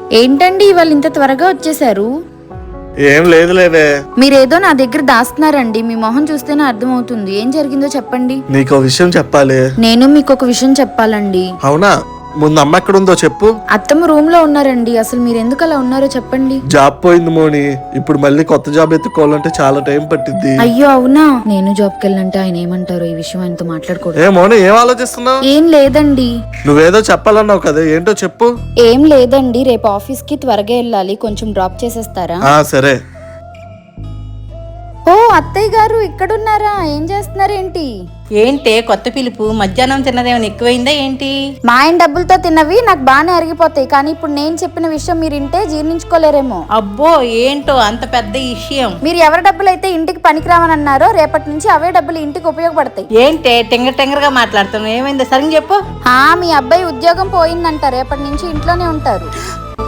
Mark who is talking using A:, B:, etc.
A: ఏంటండి ఇవాళ ఇంత త్వరగా వచ్చేసారు?
B: ఏం లేదులేవే.
A: మీరేదో నా దగ్గర దాస్తున్నారండి. మీ మొహం చూస్తేనే అర్థమవుతుంది. ఏం జరిగిందో చెప్పండి.
B: నీకో విషయం చెప్పాలి.
A: నేను మీకు ఒక విషయం చెప్పాలండి.
B: అవునా? ముందు అమ్మ ఎక్కడుందో చెప్పు.
A: అత్తమ్మ రూమ్ లో ఉన్నారండి. అసలు మీరు ఎందుకు అలా ఉన్నారో చెప్పండి.
B: జాబ్ పోయింది మోని. ఇప్పుడు మళ్ళీ కొత్త జాబ్ ఎత్తుకోవాలంటే చాలా టైం పట్టిద్ది.
A: అయ్యో అవునా? నేను జాబ్కి వెళ్ళంటే ఆయన ఏమంటారో, ఈ విషయం ఆయనతో మాట్లాడకూడదు.
B: ఏ మోని, ఏం ఆలోచిస్తున్నావు?
A: ఏం లేదండి.
B: నువ్వేదో చెప్పాలన్నావు కదా, ఏంటో చెప్పు.
A: ఏం లేదండి, రేపు ఆఫీస్ కి త్వరగా వెళ్ళాలి. కొంచెం డ్రాప్ చేసేస్తారా?
B: సరే.
A: ఓ అత్తయ్య గారు ఇక్కడున్నారా? ఏం చేస్తున్నారేంటి?
C: ఏంటే కొత్త పిలుపు? మధ్యాహ్నం తిన్నదేమైనా ఎక్కువైందా ఏంటి?
A: మా ఆయన డబ్బులతో తిన్నవి నాకు బాగానే అరిగిపోతాయి, కానీ ఇప్పుడు నేను చెప్పిన విషయం మీరు ఇంటే జీర్ణించుకోలేరేమో.
C: అబ్బో, ఏంటో అంత పెద్ద విషయం.
A: మీరు ఎవరి డబ్బులు అయితే ఇంటికి పనికిరావని అన్నారో, రేపటి నుంచి అవే డబ్బులు ఇంటికి ఉపయోగపడతాయి.
C: ఏంటే టెంగర్ గా మాట్లాడుతున్నావు? ఏమైందో సరిగ్గా చెప్పు.
A: మీ అబ్బాయి ఉద్యోగం పోయిందంట, రేపటి నుంచి ఇంట్లోనే ఉంటారు.